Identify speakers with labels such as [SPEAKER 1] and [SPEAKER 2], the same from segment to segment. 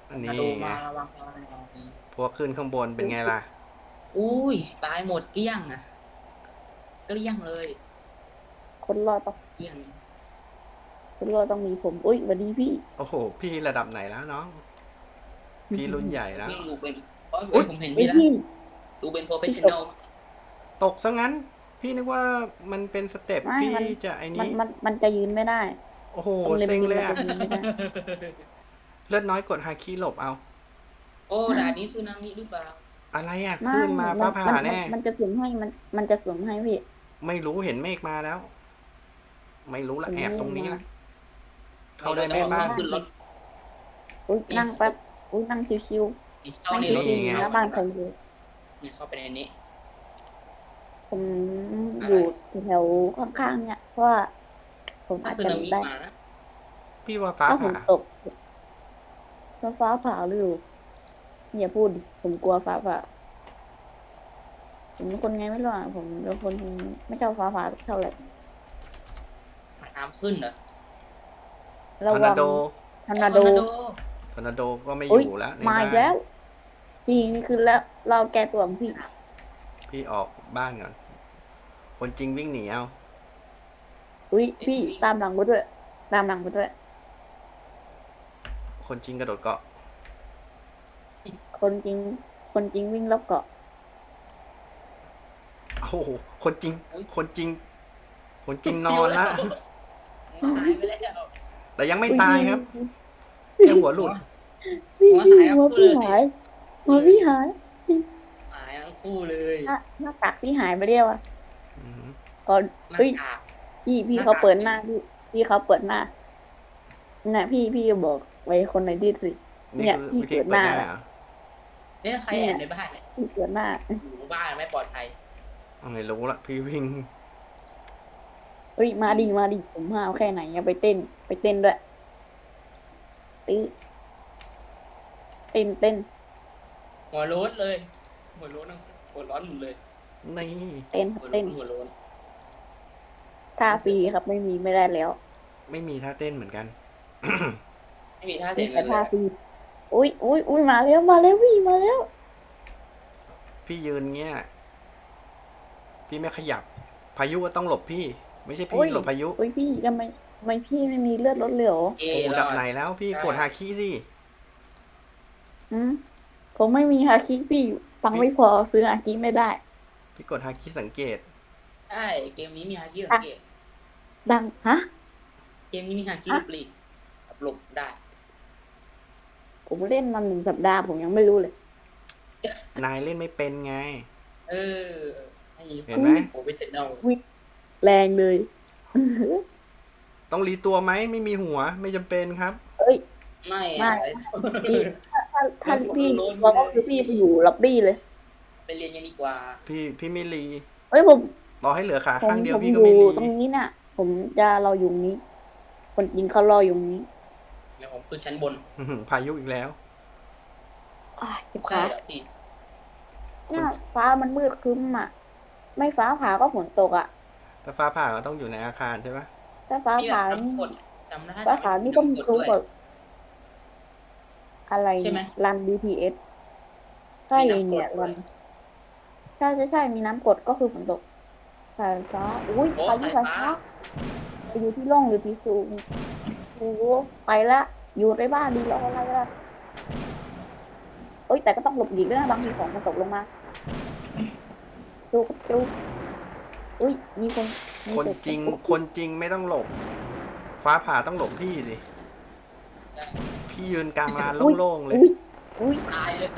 [SPEAKER 1] อัน
[SPEAKER 2] กระ
[SPEAKER 1] นี้ไง
[SPEAKER 2] โดดมาระวังระวังระวัง
[SPEAKER 1] พวกขึ้นข้างบนเป็นไงล่ะ
[SPEAKER 2] อุ้ยตายหมดเกลี้ยงอ่ะเกลี้ยงเลย
[SPEAKER 3] คนรอดต้อง
[SPEAKER 2] เกลี้ยง
[SPEAKER 3] คนรอดต้องมีผมอุ้ยสวัสดีพี่
[SPEAKER 1] โอ้โหพี่ระดับไหนแล้วน้องพี่รุ่นใหญ่แล้ว
[SPEAKER 2] พี่ดูเป็นเพราะ
[SPEAKER 1] อุ๊ย
[SPEAKER 2] ผมเห็นพี่แล้ว
[SPEAKER 3] เฮ้ยพี่
[SPEAKER 2] ดูเป็นโปรเฟช
[SPEAKER 3] พี่
[SPEAKER 2] ชั่น
[SPEAKER 3] ตก
[SPEAKER 2] แนล
[SPEAKER 1] ตกซะงั้นพี่นึกว่ามันเป็นสเต็ป
[SPEAKER 3] ไม่
[SPEAKER 1] พี่
[SPEAKER 3] มัน
[SPEAKER 1] จะไอ้นี้
[SPEAKER 3] มันจะยืนไม่ได้
[SPEAKER 1] โอ้โห
[SPEAKER 3] ตรงเลมบินมันจะ
[SPEAKER 1] เซ็งเลยอะ
[SPEAKER 3] ยืนไม่ได้
[SPEAKER 1] เลือดน้อยกดฮาคิหลบเอา
[SPEAKER 2] โอ้ด่านนี้สึนามิหรือเปล่า
[SPEAKER 1] อะไรอะ
[SPEAKER 3] ไม่
[SPEAKER 1] ขึ้นมาฟ้าผ่าแน่
[SPEAKER 3] มันจะสวมให้มันจะสวมให้พี่
[SPEAKER 1] ไม่รู้เห็นเมฆมาแล้ว ไม่รู้ละ
[SPEAKER 3] ผม
[SPEAKER 1] แอบตรงนี้
[SPEAKER 3] มา
[SPEAKER 1] ละเข้าได้ไหมบ้าน
[SPEAKER 2] ขึ้นรถ
[SPEAKER 3] อุ้ย
[SPEAKER 2] นี่
[SPEAKER 3] นั่งแป๊บอุ้ยนั่งชิวๆ
[SPEAKER 2] เข้า
[SPEAKER 3] นั่ง
[SPEAKER 2] ในรถ
[SPEAKER 3] ชิว
[SPEAKER 1] นี่ไง
[SPEAKER 3] ๆแล้วบ้านใครอยู่
[SPEAKER 2] เนี่ยเข้าไปในนี้
[SPEAKER 3] ผมอยู่แถวข้างๆเนี่ยเพราะว่าผม
[SPEAKER 2] ถ้า
[SPEAKER 3] อาจ
[SPEAKER 2] สึนามิ
[SPEAKER 3] จะได้
[SPEAKER 2] มานะ
[SPEAKER 1] พี่ว่าฟ้า
[SPEAKER 3] ถ้าฝ
[SPEAKER 1] ผ่า
[SPEAKER 3] นตกถ้าฟ้าผ่าหรืออย่าพูดดิผมกลัวฟ้าผ่าผมเป็นคนไงไม่รู้อ่ะผมเป็นคนไม่ชอบฟ้าผ่าเท่าไหร่
[SPEAKER 2] น้ำขึ้นเหรอ
[SPEAKER 3] ระวัง
[SPEAKER 1] ทอร์นาโด
[SPEAKER 3] ทอร์นาโด
[SPEAKER 1] ทอร์นาโดก็ไม่อ
[SPEAKER 3] อุ้ย
[SPEAKER 1] ยู่แล้วใน
[SPEAKER 3] มา
[SPEAKER 1] บ้า
[SPEAKER 3] อีก
[SPEAKER 1] น
[SPEAKER 3] แล้วพี่นี่คือแล้วเราแก้ตัวของพี่
[SPEAKER 1] พี่ออกบ้านก่อนคนจริงวิ่งหนีเอา
[SPEAKER 3] อุ้ยพี่ตามหลังไปด้วยตามหลังไปด้วย
[SPEAKER 1] คนจริงกระโดดเกาะ
[SPEAKER 3] คนจริง คนจริงวิ่งรอบเกาะ
[SPEAKER 1] โอ้โหคนจริง
[SPEAKER 2] อุ๊ย
[SPEAKER 1] คนจริง คนจริงนอนละ
[SPEAKER 2] ตายไปแล้ว
[SPEAKER 1] แต่ยังไม่ตายครับ
[SPEAKER 3] อุ๊ย
[SPEAKER 1] แค่หัวหลุด
[SPEAKER 3] พี่
[SPEAKER 2] หัว
[SPEAKER 3] พี่
[SPEAKER 2] หาย
[SPEAKER 3] หัว
[SPEAKER 2] คู่
[SPEAKER 3] พี่
[SPEAKER 2] เลย
[SPEAKER 3] หายหัวพี่หาย
[SPEAKER 2] หายทั้งคู่เลย
[SPEAKER 3] หน้ากากพี่หายไปเรียวอ่ะ
[SPEAKER 1] อืม
[SPEAKER 3] ก่อน
[SPEAKER 2] หน้า
[SPEAKER 3] เฮ้ย
[SPEAKER 2] กาก
[SPEAKER 3] พี่
[SPEAKER 2] หน้ากาก
[SPEAKER 3] เขาเปิดหน้าพี่เขาเปิดหน้าน่ะพี่บอกไว้คนในที่สิ
[SPEAKER 1] นี่
[SPEAKER 3] เนี่ย
[SPEAKER 1] คือ
[SPEAKER 3] พี่
[SPEAKER 1] วิธี
[SPEAKER 3] เปิด
[SPEAKER 1] เปิ
[SPEAKER 3] ห
[SPEAKER 1] ด
[SPEAKER 3] น้า
[SPEAKER 1] หน้า
[SPEAKER 3] แล้ว
[SPEAKER 1] เหรอ
[SPEAKER 2] เนี่ยใครแอบในบ้านเนี่ย
[SPEAKER 3] พี่เปิดหน้า
[SPEAKER 2] อยู่บ้านไม่ปลอดภัย
[SPEAKER 1] ไม่รู้ละพี่วิ่ง
[SPEAKER 3] เฮ้ยมาดิผมห้าวแค่ไหนอย่าไปเต้นด้วยตื้อเต้น
[SPEAKER 2] หัวโล้นเลยหัวโล้นทั้งหัวร้อนหมดเลย
[SPEAKER 1] นี่
[SPEAKER 3] เต้น
[SPEAKER 2] หัวโล้
[SPEAKER 3] เต้
[SPEAKER 2] น
[SPEAKER 3] น
[SPEAKER 2] หัวโล้น
[SPEAKER 3] ท่าฟรีครับไม่ได้แล้ว
[SPEAKER 1] ไม่มีท่าเต้นเหมือนกัน
[SPEAKER 2] ไม่มีท่า
[SPEAKER 3] มี
[SPEAKER 2] เสียงเล
[SPEAKER 3] แต่
[SPEAKER 2] ย
[SPEAKER 3] ท่าฟรีอุ้ยมาแล้วพี่มาแล้ว
[SPEAKER 1] พี่ยืนเงี้ย พี่ไม่ขยับ พายุก็ต้องหลบพี่ ไม่ใช่
[SPEAKER 3] โอ้
[SPEAKER 1] พี่
[SPEAKER 3] ย
[SPEAKER 1] หลบพายุ
[SPEAKER 3] โอ้ยพี่ทำไมพี่ไม่มีเลือดลดเหลว
[SPEAKER 2] เอ๊ะ
[SPEAKER 1] โอ้
[SPEAKER 2] ร
[SPEAKER 1] ดั
[SPEAKER 2] อบ ด
[SPEAKER 1] ไหนแล้วพี่กดฮาคิสิ
[SPEAKER 3] อืมผมไม่มีฮาคิพี่ฟังไม่พอซื้อฮาคิไม่ได้
[SPEAKER 1] พี่กดฮาคิสังเกต
[SPEAKER 2] ใช่เกมนี้มีฮาคิสังเกต
[SPEAKER 3] ดังฮะ
[SPEAKER 2] เกมนี้มีฮาคิหลบหลีกหลบได้
[SPEAKER 3] ผมเล่นมา1 สัปดาห์ผมยังไม่รู้เลย
[SPEAKER 1] นายเล่นไม่เป็นไง
[SPEAKER 2] เออให้
[SPEAKER 1] เห็นไหม
[SPEAKER 2] โปรเฟชชั่นแนล
[SPEAKER 3] แรงเลย
[SPEAKER 1] ต้องรีตัวไหมไม่มีหัวไม่จำเป็นครับ
[SPEAKER 3] เอ้ย
[SPEAKER 2] ไม่
[SPEAKER 3] ไม่
[SPEAKER 2] อะไร
[SPEAKER 3] พี่ถ้าพี่เราก็คือพี่ไปอยู่ล็อบบี้เลย
[SPEAKER 2] ไปเรียนกันดีกว่า
[SPEAKER 1] พี่ไม่รี
[SPEAKER 3] เอ้ยผม
[SPEAKER 1] รอให้เหลือขา
[SPEAKER 3] ผม
[SPEAKER 1] ข้างเดียว
[SPEAKER 3] ผม
[SPEAKER 1] พี่
[SPEAKER 3] อ
[SPEAKER 1] ก็
[SPEAKER 3] ยู่
[SPEAKER 1] ไม่รี
[SPEAKER 3] ตรงนี้น่ะ ผมจะรออยู่ตรงนี้ คนจริงเขารออยู่ตรงนี้
[SPEAKER 2] เดี๋ยวผมขึ้นชั้นบน
[SPEAKER 1] พายุอีกแล้ว
[SPEAKER 3] เจ็บ
[SPEAKER 2] ใช่
[SPEAKER 3] ขา
[SPEAKER 2] เหรอพี่
[SPEAKER 3] เนี่ยฟ้ามันมืดครึ้มอ่ะ ไม่ฟ้าผ่าก็ฝนตกอ่ะ
[SPEAKER 1] ถ้าฟ้าผ่าก็ต้องอยู่ในอาคารใช่ปะ
[SPEAKER 3] ถ้าฟ้า
[SPEAKER 2] พี่
[SPEAKER 3] ผ่า
[SPEAKER 2] แบบ
[SPEAKER 3] นี่
[SPEAKER 2] ทำกฎจำได้
[SPEAKER 3] ฟ้าผ่านี่ก็มี
[SPEAKER 2] จำกฎ
[SPEAKER 3] รู้
[SPEAKER 2] ด้วย
[SPEAKER 3] ก่อนอะไร
[SPEAKER 2] ใช่ไหม
[SPEAKER 3] รัน BTS ใช่
[SPEAKER 2] มีน้ำกรด
[SPEAKER 3] เนี่ย
[SPEAKER 2] ด้วย
[SPEAKER 3] รันใช่มีน้ำกรดก็คือฝนตกสายฟ้าอุ้ย
[SPEAKER 2] โอ้
[SPEAKER 3] พายุ
[SPEAKER 2] สาย
[SPEAKER 3] สาย
[SPEAKER 2] ฟ้า
[SPEAKER 3] ฟ้าไปอยู่ที่ร่องหรือที่สูงโอ้โหไปละอยู่ในบ้านดีรออะไรล่ะเอ้ยแต่ก็ต้องหลบหลีกด้วยนะบางทีของมันตกลงมาดูอุ้ยมีคนมี
[SPEAKER 1] คนจริง คนจริงไม่ต้องหลบ ฟ้าผ่าต้องหลบพี่สิ พี่ยืนกลางลานโล่งๆเลย
[SPEAKER 3] อุ้ย
[SPEAKER 2] ตายเลย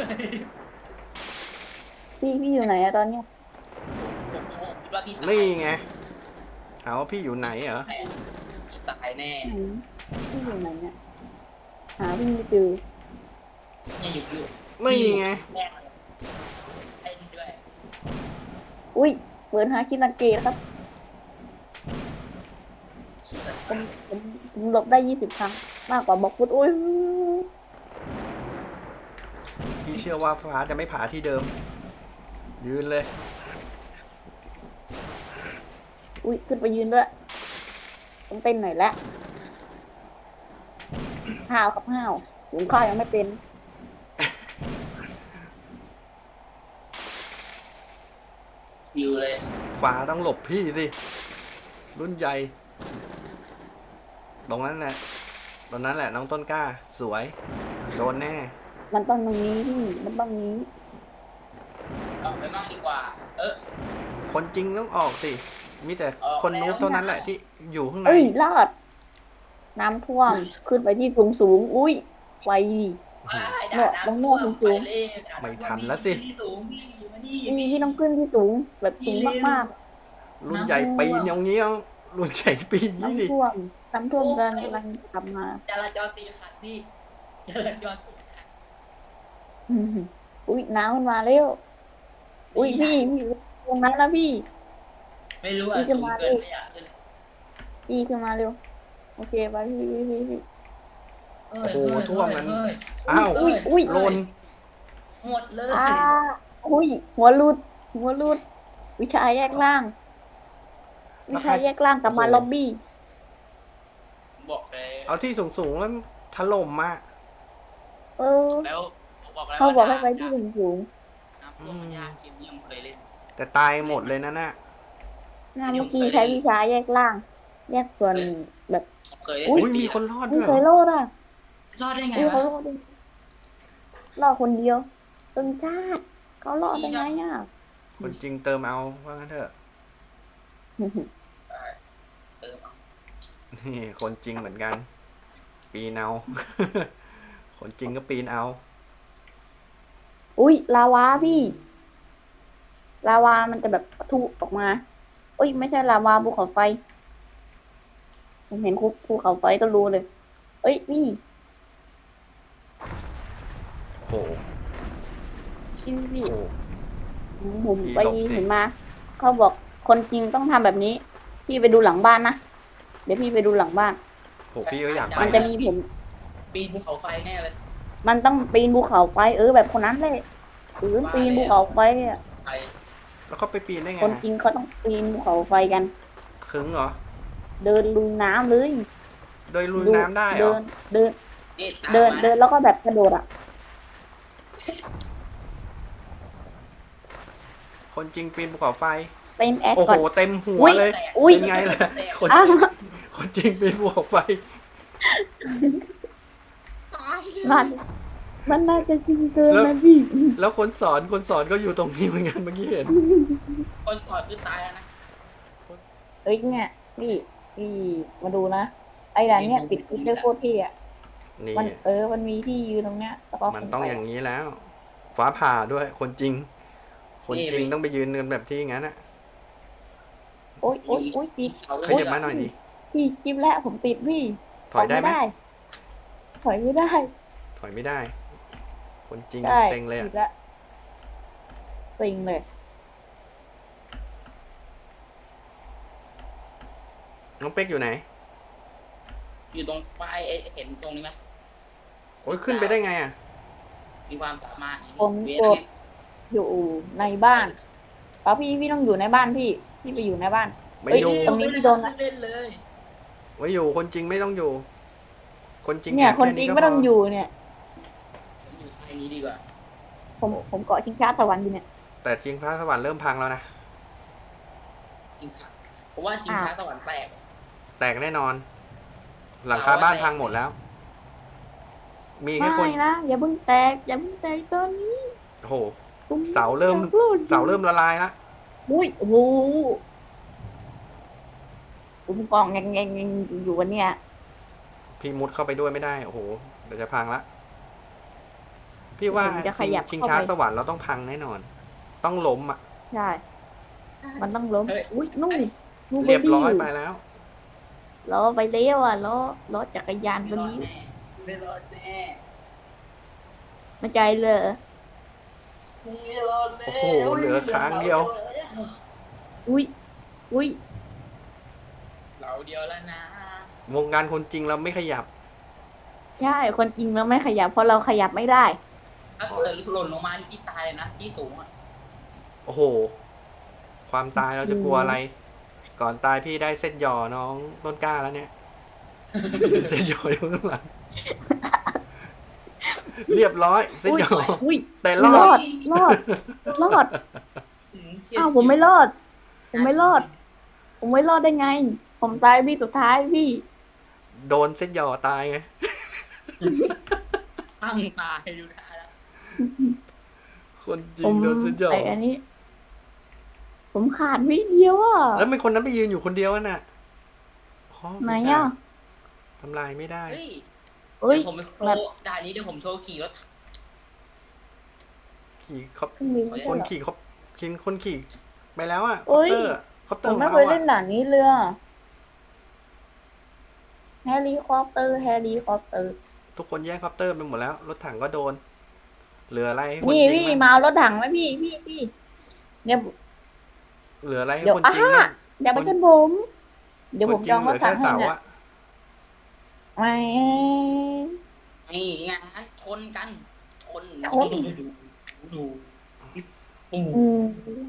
[SPEAKER 3] พี่อยู่ไหนอะตอนเนี้ย
[SPEAKER 2] ผมคิดว่าพี่ตาย
[SPEAKER 1] นี่ไงเอาว่าพี่อยู่ไหนเหรอ
[SPEAKER 2] แน่พี่ตายแน่
[SPEAKER 3] ไหนพี่อยู่ไหนเนี่ยหาพี่ไม่เจอ
[SPEAKER 2] เนี่ยอยู่
[SPEAKER 1] นี่ไง
[SPEAKER 2] แน่เล่นด้วย
[SPEAKER 3] อุ้ยเปิดหาคิดสังเกตครับ
[SPEAKER 2] ขี้สัตว์
[SPEAKER 3] ผมหลบได้20 ครั้ง มากกว่าบล็อกฟุตอุ้ย
[SPEAKER 1] พี่เชื่อว่าฟ้าจะไม่ผ่าที่เดิม ยืนเลย
[SPEAKER 3] อุ้ยขึ้นไปยืนด้วยต้องเต้นหน่อยละห้าวครับห้าวหุงข้าวยังไม่เป็น
[SPEAKER 2] ชิวเลย
[SPEAKER 1] ฟ้าต้องหลบพี่สิ รุ่นใหญ่ ตรงนั้นแหละตรงนั้นแหละน้องต้นกล้า สวย โดนแน่
[SPEAKER 3] มันต้องตรงนี้พี่มันต้องนี้
[SPEAKER 2] ออกไปมั่งดีกว่า
[SPEAKER 1] คนจริงต้องออกสิ มีแต่
[SPEAKER 2] ออก
[SPEAKER 1] คนนู้น
[SPEAKER 2] แล้ว
[SPEAKER 1] เท่านั้นแหละที่อยู่ข้างใน
[SPEAKER 3] เอ้ยรอด น้ำท่วมขึ้นไปที่สูงสูงอุ้ยไวดิ
[SPEAKER 2] ด่า
[SPEAKER 3] ตรง
[SPEAKER 2] น้ำ
[SPEAKER 3] โน้
[SPEAKER 2] ท่วน ม
[SPEAKER 3] สู
[SPEAKER 2] ไป
[SPEAKER 3] ง
[SPEAKER 2] เลยด่า
[SPEAKER 1] ไม่
[SPEAKER 2] ำท่ว
[SPEAKER 1] ทันแล้วสิ
[SPEAKER 2] ที่สูงพี่มานี่
[SPEAKER 3] พี่ต้องขึ้นที่สูงแบบสูงมาก
[SPEAKER 1] รุ่นใหญ่ปีนอย่างเงี้ยรุ่นใหญ่ปีน
[SPEAKER 3] ๆ
[SPEAKER 1] นี่ดิ
[SPEAKER 3] น้ำท่วมกำลังกลับมา
[SPEAKER 2] จราจรติดขัดพี่จราจรติดขัด
[SPEAKER 3] อุ้ยน้ำมันมาแล้วอุ้ยพี่ตรงนั้นนะพี่
[SPEAKER 2] ไม่รู้อ่ะ
[SPEAKER 3] พี่จะ
[SPEAKER 2] สูง
[SPEAKER 3] มา
[SPEAKER 2] เกิน
[SPEAKER 3] ดิ
[SPEAKER 2] ไม่อยากขึ้น
[SPEAKER 3] พี่ขึ้นมาเร็วโอเคไปพี่
[SPEAKER 2] เอ้
[SPEAKER 1] โอ้
[SPEAKER 2] ย
[SPEAKER 1] โห
[SPEAKER 2] เอ้ย
[SPEAKER 1] ท่วมนั้น
[SPEAKER 2] เอ้ย
[SPEAKER 1] อ้าว
[SPEAKER 3] อุ้ยอุ้ย
[SPEAKER 1] หล่น
[SPEAKER 2] หมดเลย
[SPEAKER 3] อ่าอุ้ยหัวรุดวิชาแยกล่าง วิชาแยกล่างกลับมาล็อบบี้
[SPEAKER 2] บอกเลย
[SPEAKER 1] เอาที่สูงๆแล้วถล่มมา
[SPEAKER 3] เออ
[SPEAKER 2] แล้วบอกแล้ว
[SPEAKER 3] เขาบอกให้
[SPEAKER 2] ว่
[SPEAKER 3] ไปที่สูง
[SPEAKER 2] น้ำท่วมมันยากเกมนี้ผมเคยเล่น
[SPEAKER 1] แต่ตายหมดเลยนะน่ะ
[SPEAKER 3] ๆเมื่อกี้ใช้วิชาแยกล่าง แยกส่วนแบบ
[SPEAKER 2] ผมเคยเล่น
[SPEAKER 1] อุ้ย
[SPEAKER 2] ปี
[SPEAKER 1] มี
[SPEAKER 2] อะ
[SPEAKER 1] คนรอด
[SPEAKER 3] ไม่
[SPEAKER 1] ด้วย
[SPEAKER 3] เคย
[SPEAKER 1] เหร
[SPEAKER 3] ร
[SPEAKER 1] อ
[SPEAKER 3] อดอ่ะ
[SPEAKER 2] รอดได้ไง
[SPEAKER 3] เขา
[SPEAKER 2] วะ
[SPEAKER 3] รอดดิรอดคนเดียวตึงชาติเขารอดได้ไงอ่ะ
[SPEAKER 1] คนจริงเติมเอาว่างั้นเถอะ
[SPEAKER 2] เออเอา
[SPEAKER 1] นี่คนจริงเหมือนกัน ปีนเอา คนจริงก็ปีนเอา
[SPEAKER 3] อุ้ยลาวาพี่ ลาวามันจะแบบปะทุออกมาอุ้ยไม่ใช่ลาวาภูเขาไฟ ผมเห็นภูเขาไฟก็รู้เลยเอ้ยพี่
[SPEAKER 1] โอ้โห
[SPEAKER 3] ชิพี่
[SPEAKER 1] โอ้โห
[SPEAKER 3] ผม
[SPEAKER 1] พี่
[SPEAKER 3] ไป
[SPEAKER 1] หลบสิ
[SPEAKER 3] เห็นมา เขาบอกคนจริงต้องทำแบบนี้ พี่ไปดูหลังบ้านนะ เดี๋ยวพี่ไปดูหลังบ้าน
[SPEAKER 1] โหพี่ก็อยากไป
[SPEAKER 3] มันจะมีผม
[SPEAKER 2] ปีนภูเขาไฟแน่เลย
[SPEAKER 3] มันต้องปีนภูเขาไฟแบบคนนั้นเลยปีนภูเขาไฟอ่ะ
[SPEAKER 2] ไป
[SPEAKER 1] แล้วเขาไปปีนได้ไง
[SPEAKER 3] คนจริงเขาต้องปีนภูเขาไฟกัน
[SPEAKER 1] ขึงเหรอ
[SPEAKER 3] เดินลุยน้ำเลย
[SPEAKER 1] โดยลุยน้ำได้เหร
[SPEAKER 3] เดิ
[SPEAKER 1] อ
[SPEAKER 3] นเดิน
[SPEAKER 2] นี่ตาม
[SPEAKER 3] เดิน
[SPEAKER 2] มา
[SPEAKER 3] เดินแล้วก็แบบกระโดดอ่ะ
[SPEAKER 1] คนจริงปีนภูเขาไฟ
[SPEAKER 3] เต้นแอค
[SPEAKER 1] โอ้
[SPEAKER 3] ก่
[SPEAKER 1] โห
[SPEAKER 3] อน
[SPEAKER 1] เต็มหัว
[SPEAKER 3] อุ๊ย
[SPEAKER 1] เลย
[SPEAKER 3] อุ๊ย
[SPEAKER 1] เป็นไงล่ะ คน
[SPEAKER 3] อ้าว
[SPEAKER 1] คนจริงปีนภูเขาไฟ
[SPEAKER 2] ตายเลย
[SPEAKER 3] มันน่าจะจริงเกินนะพี่
[SPEAKER 1] แล้วคนสอนก็อยู่ตรงนี้เหมือนกันเมื่อกี้เห็น
[SPEAKER 2] คนสอนคือตายแล้วนะ
[SPEAKER 3] เอ้ยเนี่ยพี่มาดูนะไอ้ด่านเนี่ยปิดคลิปได้โคตรที่อ่ะ
[SPEAKER 1] นี่
[SPEAKER 3] มันมีที่ยืนตรงเนี้ยแล้วก็
[SPEAKER 1] มันต้องอย่างนี้แล้ว ฟ้าผ่าด้วย คนจริง คนจริงต้องไปยืนกันแบบที่งั้นอะ
[SPEAKER 3] โอ๊ยปิด
[SPEAKER 2] เขา
[SPEAKER 1] ขยับมาหน่อยดิ
[SPEAKER 3] พี่จิ๊บแล้วผมปิดพี่
[SPEAKER 1] ถอยได้ไหม
[SPEAKER 3] ถอยไม่ได้
[SPEAKER 1] ถอยไม่ได้ คนจริง
[SPEAKER 3] ได้
[SPEAKER 1] เซ็งเลย
[SPEAKER 3] ปิ
[SPEAKER 1] อะ
[SPEAKER 3] ดละเซ็งเลย
[SPEAKER 1] น้องเป๊กอยู่ไหน
[SPEAKER 2] อยู่ตรงป้ายเห็นตรงนี้ไหม
[SPEAKER 1] โอ้ยขึ้นไปได้ไงอะ
[SPEAKER 2] มีความสามารถ
[SPEAKER 3] ผม
[SPEAKER 2] เว
[SPEAKER 3] ก
[SPEAKER 2] ท
[SPEAKER 3] ดอยู่ในบ้านเอาพี่ต้องอยู่ในบ้านพี่ไปอยู่ในบ้าน
[SPEAKER 1] ไม่อยู่
[SPEAKER 3] ตรงนี้พี่โดนนะ
[SPEAKER 2] เล่นเลย
[SPEAKER 1] ไม่อยู่ คนจริงไม่ต้องอยู่ คนจริง
[SPEAKER 3] เนี่ย
[SPEAKER 1] แอบ
[SPEAKER 3] คน
[SPEAKER 1] แค่
[SPEAKER 3] จริง
[SPEAKER 1] ก็
[SPEAKER 3] ไม่ต้อง
[SPEAKER 1] พ
[SPEAKER 3] อยู่เนี่ย
[SPEAKER 2] อยู่ไทยนี้ดีกว่า
[SPEAKER 3] ผมเกาะชิงช้าสวรรค์อยู่เนี่ย
[SPEAKER 1] แต่จริงพระสวรรค์เริ่มพังแล้วนะ
[SPEAKER 2] ชิงช้าผมว่าชิงช้าสวรรค์แตก
[SPEAKER 1] แตกแน่นอน หลังคาบ้านพังหมดแล้ว มีแค่คน
[SPEAKER 3] ไม่นะอย่าเพิ่งแตกตอนนี้
[SPEAKER 1] โอ้โห เสาเริ่มละลายละ
[SPEAKER 3] อุ้ยโอ้โหผมกองแงงอยู่วันเนี้ย
[SPEAKER 1] พี่มุดเข้าไปด้วยไม่ได้ โอ้โห เดี๋ยวจะพังละ พี่ว่า
[SPEAKER 3] ผมจะขยับ
[SPEAKER 1] ชิง
[SPEAKER 3] เข้า
[SPEAKER 1] ช้า
[SPEAKER 3] ไป
[SPEAKER 1] สวรรค์เราต้องพังแน่นอน ต้องล้มอ่ะ
[SPEAKER 3] ใช่มันต้องล้มอุ้ยนู่น
[SPEAKER 1] เรียบร้อยไปแล้ว
[SPEAKER 3] ล้อไปเลี้ยวอ่ะล้อจักรยาน
[SPEAKER 2] ไม่
[SPEAKER 3] ตัว
[SPEAKER 2] รอด
[SPEAKER 3] นี้
[SPEAKER 2] แน่ไม่รอดแน่
[SPEAKER 3] มาใจเลย
[SPEAKER 2] ไม่รอดแน่
[SPEAKER 1] โอ้โหเหลือค้างเดียว
[SPEAKER 3] อุ้ย
[SPEAKER 2] เราเดียวแล้วนะ
[SPEAKER 1] วงการคนจริงเราไม่ขยับ
[SPEAKER 3] ใช่คนจริงเราไม่ขยับเพราะเราขยับไม่ได้
[SPEAKER 2] ถ้าเกิดหล่นลงมาที่ตายเลยนะที่สูงอ่ะ
[SPEAKER 1] โอ้โห ความตายเราจะกลัวอะไร ก่อนตายพี่ได้เส้นหย่อน้องต้นกล้าแล้วเนี่ย เส้นหย่ออยู่ข้างหลัง เรียบร้อย เส้นหย่อ
[SPEAKER 3] อุ้ย
[SPEAKER 1] แต่ร
[SPEAKER 3] ร
[SPEAKER 1] อ
[SPEAKER 3] อ
[SPEAKER 1] ด
[SPEAKER 3] ดรอด
[SPEAKER 2] อืมเฉียด
[SPEAKER 3] อ้าวผมไม่รอด ผมไม่รอด ผมไม่รอดได้ไง ผมตายพี่สุดท้ายพี่
[SPEAKER 1] โดนเส้นหย่อตายไง
[SPEAKER 2] ตั้งตายดูท่าแล้ว
[SPEAKER 1] คนจริ
[SPEAKER 3] ผ
[SPEAKER 1] ง
[SPEAKER 3] ม
[SPEAKER 1] โดนเส้นหย่อ
[SPEAKER 3] ไออันนี้ ผมขาดวิเดียวอ่ะ
[SPEAKER 1] แล้วเป็นคนนั้นไปยืนอยู่คนเดียวน่ะอ๋อ
[SPEAKER 3] ไหน
[SPEAKER 1] ผู้ชาย
[SPEAKER 3] อ่ะ
[SPEAKER 1] ทำลายไม่ได้
[SPEAKER 2] เฮ้ย
[SPEAKER 3] เฮ้ย
[SPEAKER 2] เดี๋ยวผมไปโช
[SPEAKER 3] แบบ
[SPEAKER 2] ว์ด่านนี้เดี๋ยวผมโชว์ขี่รถ
[SPEAKER 1] ขี่เขา
[SPEAKER 3] เครื่องบินไม่
[SPEAKER 1] ค
[SPEAKER 3] ใช่
[SPEAKER 1] น
[SPEAKER 3] เหรอ
[SPEAKER 1] ขี่เขาคนขี่ไปแล้วอ่ะ
[SPEAKER 3] เอ้ย
[SPEAKER 1] คอปเต
[SPEAKER 3] ผ
[SPEAKER 1] อ
[SPEAKER 3] ม
[SPEAKER 1] ร์
[SPEAKER 3] ไม่
[SPEAKER 1] ของ
[SPEAKER 3] เคย
[SPEAKER 1] เรา
[SPEAKER 3] เล่น
[SPEAKER 1] อ่ะ
[SPEAKER 3] ด่านนี้เลยอะแฮร์รี่คอปเตอร์ แฮร์รี่คอปเตอร์
[SPEAKER 1] ทุกคนแย่งคอปเตอร์ไปหมดแล้ว รถถังก็โดน เหลืออะไรให้คน
[SPEAKER 3] นี่
[SPEAKER 1] จริง
[SPEAKER 3] พี่
[SPEAKER 1] บ้าง
[SPEAKER 3] มาเอารถถังไหมพี่เนี่ย
[SPEAKER 1] เหลืออะไรให้
[SPEAKER 3] เดี๋ยว
[SPEAKER 1] คนจริงบ้าง
[SPEAKER 3] อย่าไปชนผม เดี๋ยว
[SPEAKER 1] ค
[SPEAKER 3] ผ
[SPEAKER 1] น
[SPEAKER 3] ม
[SPEAKER 1] จ
[SPEAKER 3] จ
[SPEAKER 1] ริ
[SPEAKER 3] อง ง
[SPEAKER 1] เห
[SPEAKER 3] ร
[SPEAKER 1] ลื
[SPEAKER 3] ถ
[SPEAKER 1] อ
[SPEAKER 3] ถั
[SPEAKER 1] แค่
[SPEAKER 3] งให้
[SPEAKER 1] เสา
[SPEAKER 3] เนี่ย
[SPEAKER 1] อ่ะ
[SPEAKER 3] ไม่
[SPEAKER 2] นี่ไงงั้นชนกัน ชน
[SPEAKER 3] ชน
[SPEAKER 2] ดู
[SPEAKER 3] อืม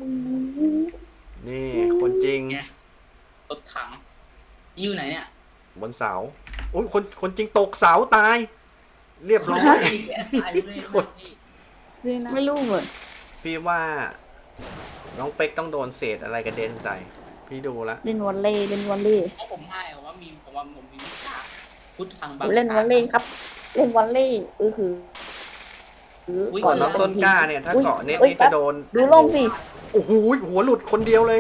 [SPEAKER 1] นี่ คนจริง
[SPEAKER 2] ไงรถถังอยู่ไหนเนี่ย
[SPEAKER 1] บนเสาอุ้ยคนจริงตกเสาตาย เรียบร้อย
[SPEAKER 2] ตายเลย
[SPEAKER 1] คน
[SPEAKER 2] พี่
[SPEAKER 3] ไม่รู้เหมือน
[SPEAKER 1] พี่ว่าน้องเป็กต้องโดนเศษอะไรกระเด็นใส่พี่ดูละ
[SPEAKER 3] เล่นวอลเลย์เล่นวอลเลย์
[SPEAKER 2] เพราะผมให้ผมว่าผมมีวิชาพุทธังบาง
[SPEAKER 3] เล่นวอลเลย์ครับ เล่นวอลเลย์คือ
[SPEAKER 1] ก่อนน้องต้นกล้าเนี่ย ถ้าเกาะเน็ตนี่จะโดน
[SPEAKER 3] ดูล่มสิ
[SPEAKER 1] โอ้โหหัวหลุดคนเดียวเลย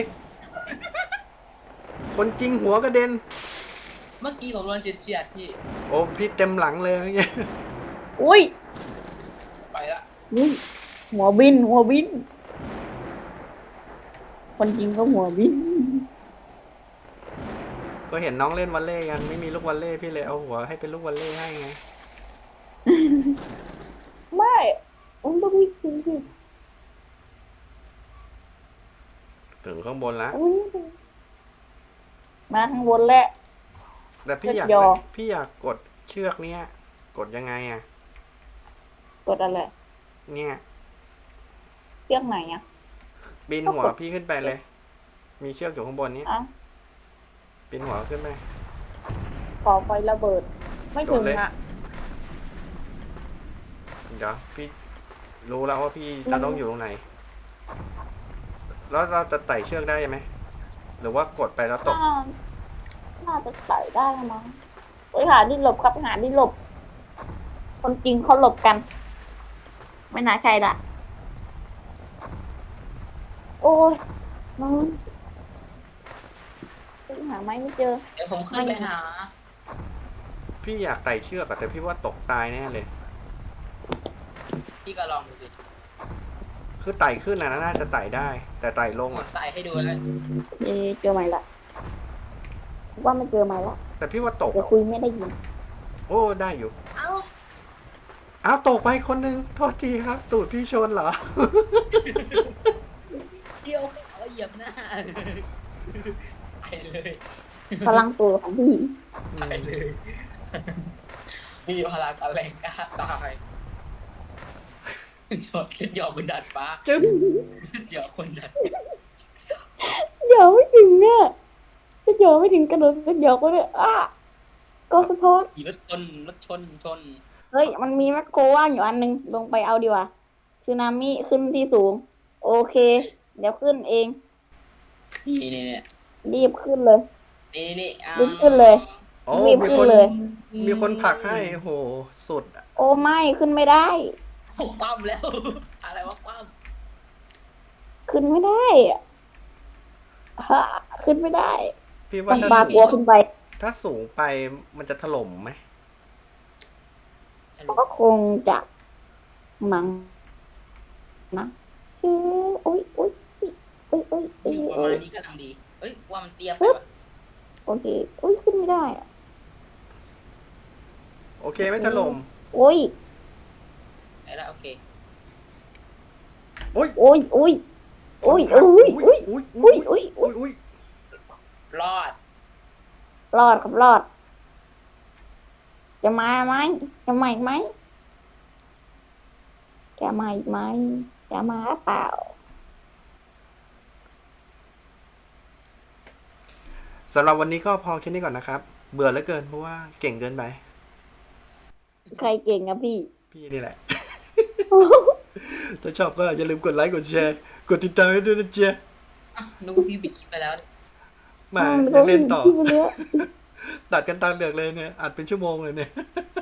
[SPEAKER 1] คนจริงหัวกระเด็น
[SPEAKER 2] เมื่อกี้ผมโดนเฉียดพี่
[SPEAKER 1] โอ้พี่เต็มหลังเลยเมื่อกี้
[SPEAKER 3] อุ้ย
[SPEAKER 2] ไปละ
[SPEAKER 3] อุ้ยหัวบิน คนจริงก็หัวบิน
[SPEAKER 1] ก็เห็นน้องเล่นวอลเลย์กันไม่มีลูกวอลเลย์พี่เลยเอาหัวให้เป็นลูกวอลเลย์ให้ไง
[SPEAKER 3] ไม่ผมต้องวิ่งจริงสิ
[SPEAKER 1] ถึงข้างบนละ
[SPEAKER 3] อุ้ยมาข้างบนแล้ว
[SPEAKER 1] แต่พี่อยาก
[SPEAKER 3] ยอ
[SPEAKER 1] พี่อยากกดเชือกเนี้ยกดยังไงอ่ะ
[SPEAKER 3] กดอะไร
[SPEAKER 1] เนี่ย
[SPEAKER 3] เชือกไหนอ่ะ
[SPEAKER 1] ปีนหัวพี่ขึ้นไปเลย มีเชือกอยู่ข้างบนนี้
[SPEAKER 3] อ่ะ
[SPEAKER 1] ปีนหัวขึ้นไป
[SPEAKER 3] ขอไฟระเบิด ไม่ถึง
[SPEAKER 1] โดนเลย
[SPEAKER 3] อ่ะ
[SPEAKER 1] เดี๋ยวพี่รู้แล้วว่าพี่จะต้องอยู่ตรงไหน แล้วเราจะไต่เชือกได้ไหมหรือว่ากดไปแล้วตก
[SPEAKER 3] น่าจะใส่ได้มั้งไปหาที่หลบครับหาที่หลบ คนจริงเขาหลบกัน ไม่น่าใช่ละโอ้ยน้องหาไม้ไม่เจอ
[SPEAKER 2] เดี๋ยวผมขึ้นไปหา
[SPEAKER 1] พี่อยากไต่เชือกอะแต่พี่ว่าตกตายแน่เลย
[SPEAKER 2] พี่ก็ลองดูสิ
[SPEAKER 1] คือไต่ขึ้นนะน่าจะไต่ได้ แต่ไต่ลง
[SPEAKER 2] ผม
[SPEAKER 1] อะ
[SPEAKER 2] ใส่ให้ดูแล้ว
[SPEAKER 3] เจอไหมละว่าไม่เจอไหมละ
[SPEAKER 1] แต่พี่ว่าตก
[SPEAKER 3] เดี๋ยว
[SPEAKER 1] อะ
[SPEAKER 3] คุยไม่ได้ยิน
[SPEAKER 1] โอ้ได้อยู่
[SPEAKER 2] เอ้า
[SPEAKER 1] อ้าวตกไปคนหนึงโทษทีครับ ตูดพี่ชนเหรอ
[SPEAKER 2] เกี่ยวขาเหยียบหน้าไปเลย
[SPEAKER 3] พลังตัวของพี่
[SPEAKER 2] ไปเลยมีพลังแรงกล้าตายชดหยอกบนดาดฟ้า
[SPEAKER 1] จึ๊บ
[SPEAKER 2] หยอกคนดาด
[SPEAKER 3] เดี๋ยวไม่ถึงเนี่ยจะเดี๋ยวไม่ถึงกระโดดจะเดี๋ยวก็เลยก็สะท้อน
[SPEAKER 2] ขี่รถชน
[SPEAKER 3] เฮ้ย มันมีแมคโครว่างอยู่อันนึง ลงไปเอาดีกว่าสึนามิขึ้นที่สูง โอเค เดี๋ยวขึ้นเอง
[SPEAKER 2] นี่
[SPEAKER 3] รีบขึ้นเลย
[SPEAKER 2] นี่
[SPEAKER 3] รีบขึ้นเลย
[SPEAKER 1] โอ้
[SPEAKER 3] รีบ
[SPEAKER 1] มี
[SPEAKER 3] ขึ้
[SPEAKER 1] คน น
[SPEAKER 3] เลย
[SPEAKER 1] มีคนผลักให้โอ้โหสุดอะ
[SPEAKER 3] โอ้ไม่ขึ้นไม่ได้
[SPEAKER 2] คว่ำแล้ว อะไรวะคว่
[SPEAKER 3] ขึ้นไม่ได้อะฮะขึ้นไม่ได้
[SPEAKER 1] พี่
[SPEAKER 3] ต้
[SPEAKER 1] ว่า
[SPEAKER 3] อง
[SPEAKER 1] ถ้า
[SPEAKER 3] ปา
[SPEAKER 1] สู
[SPEAKER 3] กลัว
[SPEAKER 1] ง
[SPEAKER 3] ขึ้นไป
[SPEAKER 1] ถ้าสูงไปมันจะถล่มไหม
[SPEAKER 2] ำ
[SPEAKER 3] ก็คงจะมั้งนะอุ้ย
[SPEAKER 2] อยู่ประมาณนี้กำลังดี เอ้ยว่ามันเตี้ยไปวะ
[SPEAKER 3] โอเคอุ้ยขึ้นไม่ได้อะ
[SPEAKER 1] โอเคไม่ถล่ม
[SPEAKER 3] อุ้ย
[SPEAKER 2] ไอ้ละโอเค
[SPEAKER 1] โอ้ย
[SPEAKER 3] อุ้ยอุ้ยอุ้ยอุ้ยอุ้ย
[SPEAKER 1] อุ้ย
[SPEAKER 3] อุ้ยอุ้ย
[SPEAKER 1] อุ้ย
[SPEAKER 2] รอด
[SPEAKER 3] รอดครับรอด จะมาไหมจะมาอีกไหมจะมาอีกไหมจะมาหรือเปล่า
[SPEAKER 1] สำหรับวันนี้ก็พอแค่นี้ก่อนนะครับ เบื่อเหลือเกินเพราะว่าเก่งเกินไป
[SPEAKER 3] ใครเก่งอะพี่
[SPEAKER 1] พี่นี่แหละถ้าชอบก็อย่าลืมกดไลค์กดแชร์กดติดตามให้ด้วยนะเจ๊ะ
[SPEAKER 2] อ่ะนึกว่าพี่ปิดคลิปไปแล้ว
[SPEAKER 1] มา
[SPEAKER 3] มัน
[SPEAKER 1] ยังเล่นต่อ
[SPEAKER 3] พี่ไปแล้ว
[SPEAKER 1] ตัดกันตาเหลือกเลยเนี่ยอัดเป็นชั่วโมงเลยเนี่ย